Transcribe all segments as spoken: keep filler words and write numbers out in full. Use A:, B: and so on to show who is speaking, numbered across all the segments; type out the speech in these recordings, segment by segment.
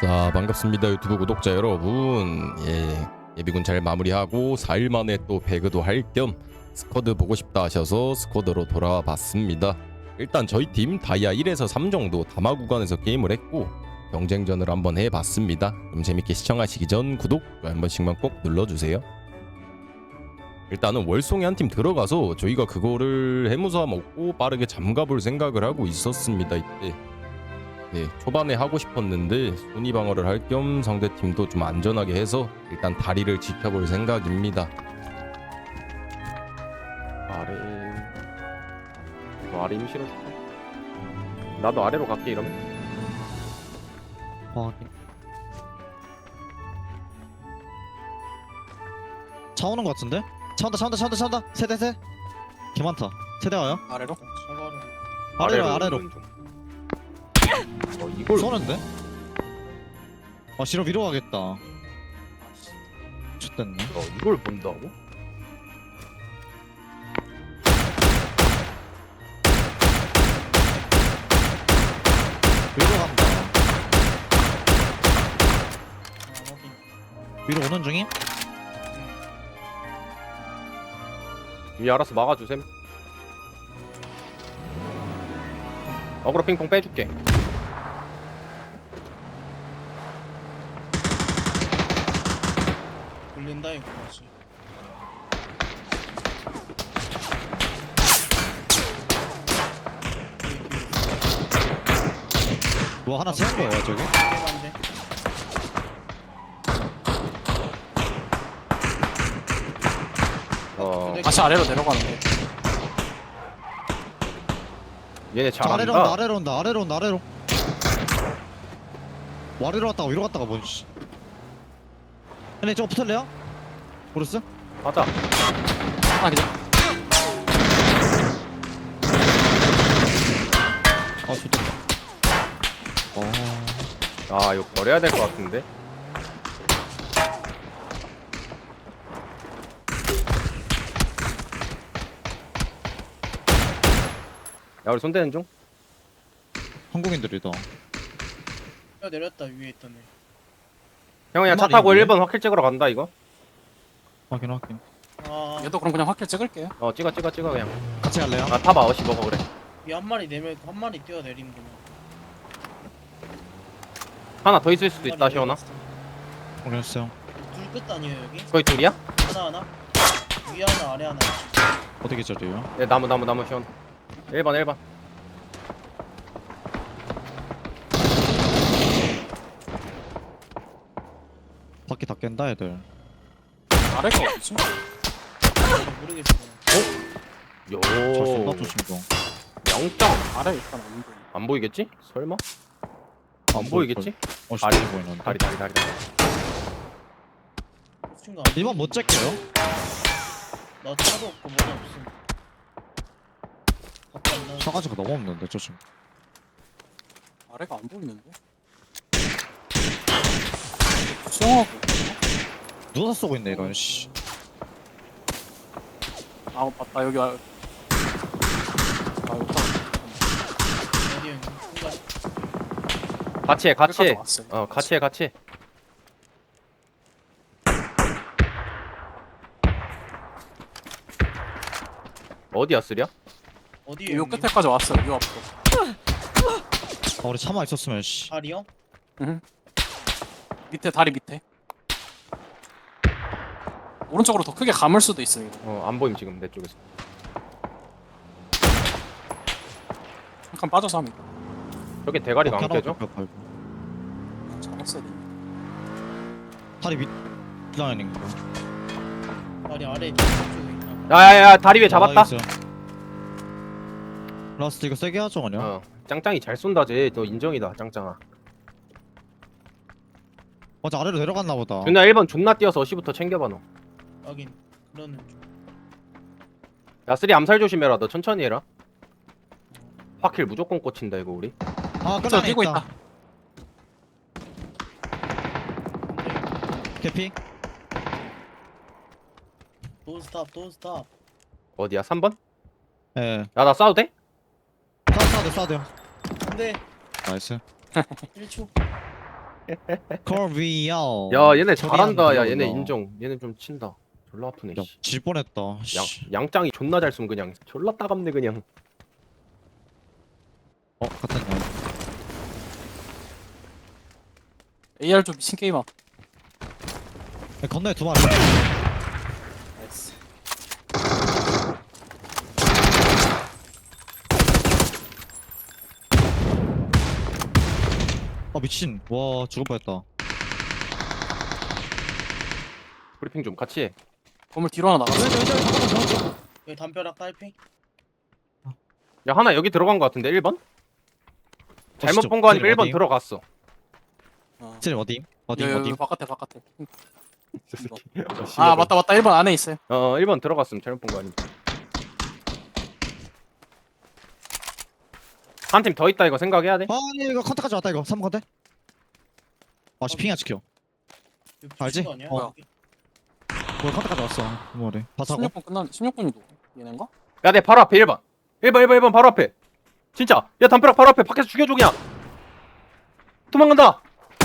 A: 자, 반갑습니다 유튜브 구독자 여러분. 예, 예비군 잘 마무리하고 사 일 만에 또 배그도 할 겸 스쿼드 보고 싶다 하셔서 스쿼드로 돌아와 봤습니다. 일단 저희 팀 다이아 일에서 삼 정도 다마 구간에서 게임을 했고 경쟁전을 한번 해봤습니다. 그럼 재밌게 시청하시기 전 구독, 좋아요 한 번씩만 꼭 눌러주세요. 일단은 월송에 한 팀 들어가서 저희가 그거를 해무사 먹고 빠르게 잠가볼 생각을 하고 있었습니다. 이때 네, 초반에 하고 싶었는데 순위 방어를 할 겸 상대팀도 좀 안전하게 해서 일단 다리를 지켜볼 생각입니다.
B: 아래 너 아래 힘 실어줄까? 나도 아래로 갈게 이러면.
C: 확인. 차 오는 거 같은데? 차 온다 차 온다 차 온다 차 온다 세대 세. 개 많다. 세대 와요?
D: 아래로?
C: 아래로 아래로.
B: 오는 중. 어 이걸
C: 쏘는데? 아 싫어 위로 가겠다. X됐네.
B: 어 이걸 본다고?
C: 위로 간다. 위로 오는 중임?
B: 위 알아서 막아주셈. 어그로 핑퐁 빼줄게.
D: 걸린다 이거 다시.
C: 뭐 하나 세운 거예요 저기?
D: 깨반데.
B: 어
D: 다시 아래로 내려가는데.
B: 얘네
C: 저 아래로 온다
B: 잘한다.
C: 아래로 온다 아래로 온다 아래로. 뭐 아래로 갔다가 위로 갔다가 뭔 씨. 근데 저거 붙을래요? 모르스?
B: 가자.
D: 아 그냥.
C: 아 좋다. 어.
B: 아 이거 버려야 될 것 같은데. 야 우리 손대는 중.
C: 한국인들이다.
D: 야 내렸다 위에 있던 애.
B: 형 그냥 차
C: 한
B: 타고
C: 마리인데?
B: 일 번 확킬 찍으러 간다 이거.
C: 확인 확인.
D: 아
E: 얘도 그럼 그냥 확킬 찍을게요.
B: 어 찍어 찍어 찍어 그냥.
C: 같이 갈래요?
B: 아 타봐 어시 먹어 그래.
D: 위 한 마리 내면 한 마리 뛰어내리는구나.
B: 하나 더 있을 수도 있다 시원아.
C: 확인했어요.
D: 둘 끝 아니에요 여기?
B: 거의 둘이야?
D: 하나 하나. 위 하나 아래 하나.
C: 어떻게 자리요?
B: 네 나무 나무 나무 시원. 일 번 일 번.
C: 바퀴 다 깬다 애들.
E: 아래가 어디지?
D: 모르겠어.
B: 요.
C: 잘 쏜다 조심도.
B: 영점.
E: 아래 일단 안 보여.
B: 안 보이겠지? 설마?
C: 안
B: 안 보이겠지?
C: 어
B: 다리.
C: 다리 보이는데.
B: 다리 다리 다리. 다리.
D: 친구
C: 이번 못 잭게요.
D: 나 차도 없고 뭐도 없음. 밖에 안 나와.
C: 차가지가 너무 없는데 저 지금.
E: 아래가 안 보이는데? 수영하고
C: 누가 쏘고 있네 이런 씨.
E: 아 맞다 여기 아 아, 여기
D: 어디 형님? 순간.
B: 같이 해 같이 해.
E: 왔어요.
B: 어 같이 해 같이 해. 어디야 쓰랴?
D: 어디에
E: 요 끝에까지 왔어요. 요 앞으로.
C: 아 우리 차만 있었으면 씨.
D: 다리요?
E: 밑에 다리 밑에. 오른쪽으로 더 크게 감을 수도 있어요. 이거.
B: 어안 보임 지금 내 쪽에서.
E: 잠깐 빠져서 하면
B: 저기 대가리가 안
C: 바퀴
B: 깨져?
C: 하나 뺄 거야.
E: 잡았어야 돼.
C: 다리 밑 라인인가?
D: 다리 아래 쪽에 있나?
B: 야야야 다리 위에 잡았다.
C: 아, 있어요. 라스트 이거 세게 하죠 그냥.
B: 어 짱짱이 잘 쏜다 쟤너 인정이다 짱짱아.
C: 맞아 아래로 내려갔나 보다.
B: 준아 일 번 존나 뛰어서 어시부터 챙겨봐 너.
D: 하긴 그러는 중.
B: 야 쓰리 암살 조심해라 너 천천히 해라. 확킬 무조건 꽂힌다 이거 우리.
C: 아
E: 저
C: 끝나네
E: 뛰고
C: 있다.
E: 있다.
C: 개피.
D: 돈 스탑 돈 스탑.
B: 어디야 삼 번?
C: 예.
B: 야 나 싸워도 돼?
C: 싸 싸도 싸도.
D: 근데
C: 나이스.
D: 일 초.
C: 코리아.
B: 야 얘네
C: 코리안
B: 잘한다. 야 얘네
C: 들어온다.
B: 인정. 얘네 좀 친다. 졸라 아프네.
C: 야,
B: 씨.
C: 질 뻔했다.
B: 양
C: 씨.
B: 양짱이 존나 잘 쏘면 그냥 졸라 따갑네 그냥.
C: 어, 같은 거.
E: 에이알 좀 미친 게임아.
C: 야, 건너에 두 마리.
E: 나이스.
C: 아 미친. 와 죽을 뻔했다.
B: 브리핑 좀 같이 해.
E: 건물 뒤로 하나 나갔어.
D: 여기 담벼락 딸피.
B: 야 하나 여기 들어간 거 같은데 일 번? 잘못
C: 진짜.
B: 본 거 아니면
C: 쟤네
B: 일 번
C: 어디?
B: 들어갔어.
E: 어.
C: 쟤 어디? 어디
E: 여기,
C: 어디?
E: 여기 바깥에 바깥에.
B: 아
E: 아 맞다 맞다 일 번 안에 있어요.
B: 어 일 번 들어갔으면 잘못 본 거 아니면. 한 팀 더 있다 이거 생각해야 돼.
C: 아니 이거 컨택까지 왔다 이거. 삼 번 컨택. 아씨 핑이야 지켜.
D: 여기
C: 알지?
D: 붙인 거 아니야?
C: 어.
D: 여기?
C: 뭐 컨택까지 왔어. 두 마리. 다 사고.
E: 십육 분 끝난 십육 분이 누구? 얘네인가?
B: 야 내 바로 앞에 일 번. 일 번 일 번 일 번 바로 앞에. 진짜. 야 담벼락 바로 앞에 밖에서 죽여줘 그냥. 도망간다.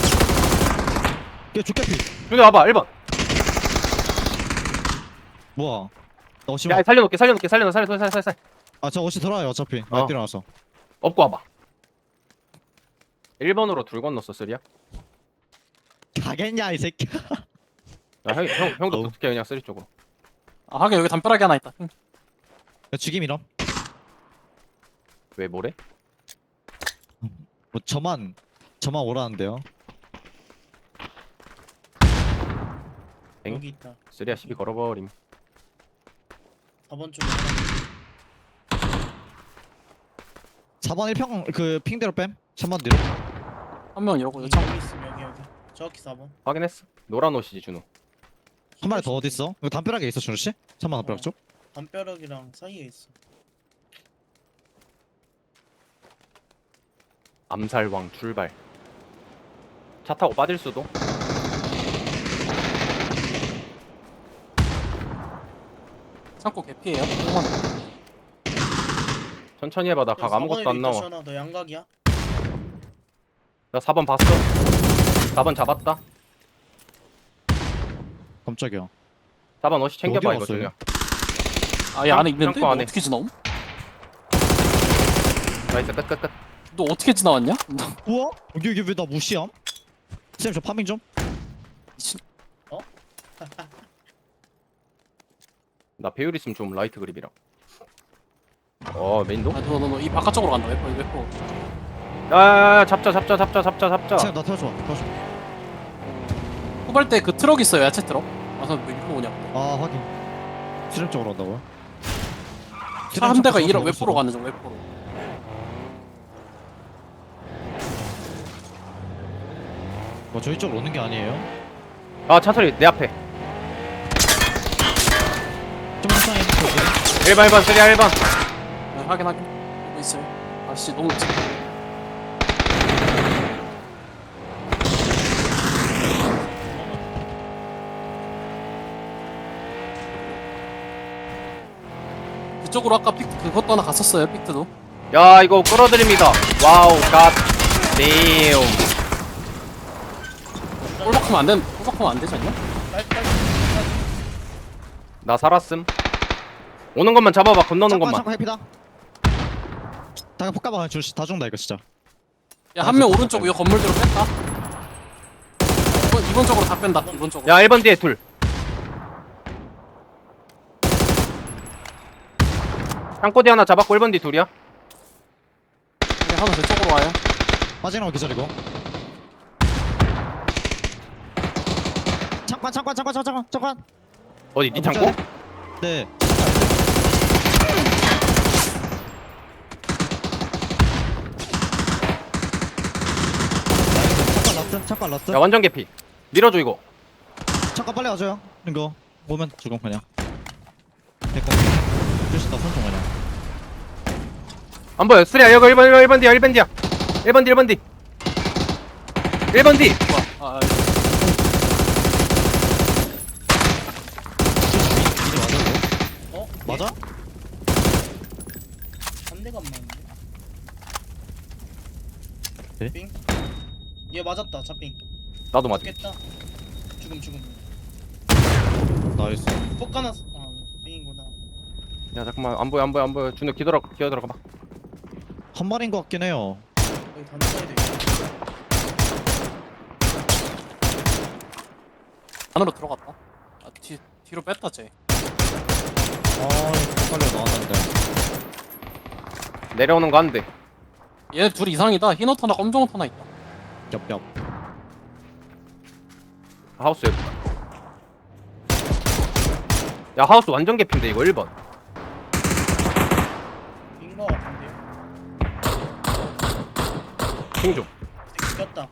C: 얘 죽겠피.
B: 여기 와봐 일 번.
C: 뭐야? 나 어시.
B: 야 살려놓게 살려놓게 살려놔 살려 살려 살려 살려.
C: 아저 어시 돌아요 어차피.
B: 어.
C: 아 뛰어나서.
B: 업고 와봐. 일 번으로 둘 건넜어 쓰리야.
C: 가겠냐 이 새끼.
B: 야, 형, 형, 형도
C: 어우.
B: 어떻게 그냥 쓰리 쪽으로.
E: 아 하긴 여기 담벼락이 하나 있다. 응.
C: 야 죽임이럼.
B: 왜 뭐래?
C: 뭐 저만 저만 오라는데요.
B: 엥?
D: 여기 있다.
B: 쓰리야 시비 걸어버림.
D: 사 번 쪽에.
C: 사 번 일 평 그 핑대로 뺨. 삼 번 뒤로.
E: 한 명 이러고
D: 여기,
E: 여창.
D: 여기 있음 여기 여기. 정확히 사 번.
B: 확인했어. 노란 옷이지 준호.
C: 한 마리 더 어디 있어? 이거 담벼락에 있어 준호 씨? 삼 번 담벼락
D: 어.
C: 쪽?
D: 담벼락이랑 사이에 있어.
B: 암살왕 출발. 차 타고 빠질 수도.
E: 창고 개피예요. 한
B: 천천히 해봐. 나 각 아무것도 안 나와.
D: 너 양각이야?
B: 나 사 번 봤어. 사 번 잡았다.
C: 깜짝이야.
B: 사 번 어시 챙겨봐
C: 어디
B: 이거
C: 갔어요?
B: 준호야.
E: 아얘 안에 있는데
B: 창고
E: 너
B: 안에.
E: 어떻게 지나옴?
B: 나이스 끝끝끝.
E: 너 어떻게 지나왔냐?
C: 우와? 여기 여기 왜 나 무시함? 쌤 저 파밍 좀.
E: 미친.
B: 나 배율 있으면 좀 라이트 그립이랑. 어 메인도?
E: 아너너너이 바깥쪽으로 간다. 웨퍼 웨퍼.
B: 야야야 잡자 잡자 잡자 잡자 잡자.
C: 쌤 나 태워줘. 태워줘.
E: 후발 때 그 트럭 있어요 야채 트럭. 와서 왜 이리로 오냐?
C: 아 확인. 수렴 쪽으로 온다고요?
E: 차 한 대가 이러
C: 로
E: 웨퍼로 가는 중 웨퍼로.
C: 뭐 저희 쪽으로 오는 게 아니에요?
B: 아 차소리 내 앞에.
C: 좀 이상해. 저기.
B: 일 번 일 번 쓰리야 일 번.
E: 네, 확인 확인. 여기 있어요. 아씨 너무 늦지. 그쪽으로 아까 픽 그것도 하나 갔었어요 픽트도.
B: 야 이거 끌어들입니다. 와우 갓 데임.
E: 꼴박하면 안 된, 꼴박하면 안 되지 않냐?
D: 딸딸.
B: 나 살았음. 오는 것만 잡아봐. 건너는
C: 잠깐
B: 것만.
C: 잠깐 해피다. 다가 폭가봐 줄씨 다 죽는다 이거 진짜.
E: 야 한 명 오른쪽 이 건물 뒤로 뺐다. 이번 이번 쪽으로 다 뺀다. 이번 쪽으로.
B: 야 일 번 뒤에 둘. 창고디 하나 잡았고 일 번 뒤 둘이야.
E: 네, 하나 제 쪽으로 와요.
C: 빠지는 거 기절이고. 잠깐 잠깐 잠깐 잠깐 잠깐.
B: 어디 니
C: 아,
B: 창고?
C: 못 네. 잠깐 라스트 잠깐 라스트.
B: 야 완전 개피. 밀어줘 이거.
C: 잠깐 빨리 와줘요. 이거 오면 죽음 그냥. 됐고. 줄수 있다 손좀 그냥.
B: 안 보여. 쓰리야 여기 일 번 일 번 뒤야 일 번 뒤야. 일 번 뒤 일 번 뒤. 일 번 뒤.
E: 아, 아,
C: 이제 맞아 이거?
D: 어?
C: 맞아?
D: 한 대가 안 맞는데.
C: 네?
D: 빙? 얘 맞았다. 차빙.
B: 나도 맞음.
D: 죽겠다. 죽음 죽음.
C: 나이스.
D: 폭 까놨어. 아 삥이구나.
B: 야 잠깐만 안 보여 안 보여 안 보여. 준호 기어들어 기어 들어가 봐.
C: 한 마리인 것 같긴 해요.
D: 여기 단차에도 있어.
E: 안으로 들어갔다. 아, 뒤 뒤로 뺐다 쟤.
C: 아, 빨리 나왔는데.
B: 내려오는 거 안 돼.
E: 얘네 둘 이상이다. 흰 옷 하나, 검정 옷 하나 있다.
C: 엽엽.
B: 하우스 옆. 야 하우스 완전 개핀데 이거 일 번.
D: 빈거 같은데요?
B: 핑 좀.
D: 되게 꼈다.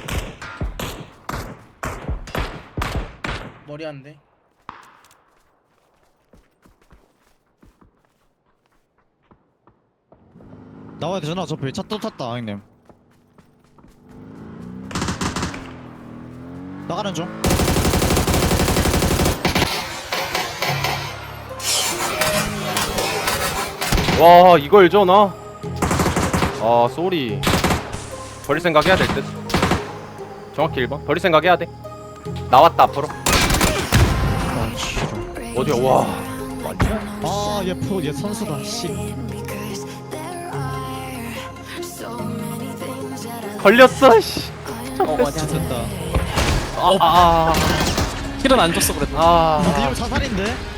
D: 머리 한 대.
C: 나와야 되잖아. 저 차 또 탔다, 형님. 나가는 중.
B: 와 이걸 져나? 아 쏘리. 버릴 생각 해야 될 듯. 정확히 일 번. 버릴 생각 해야 돼. 나왔다 앞으로.
C: 아, 싫어.
B: 어디야 와.
C: 아, 얘 프로, 얘 선수다. 씨.
B: 걸렸어 씨.
E: 어 맞아.
C: 됐다.
B: 아, 아,
E: 킬은 안 줬어 그래도.
B: 아,
C: 아,
B: 아.
C: 이거 자살인데?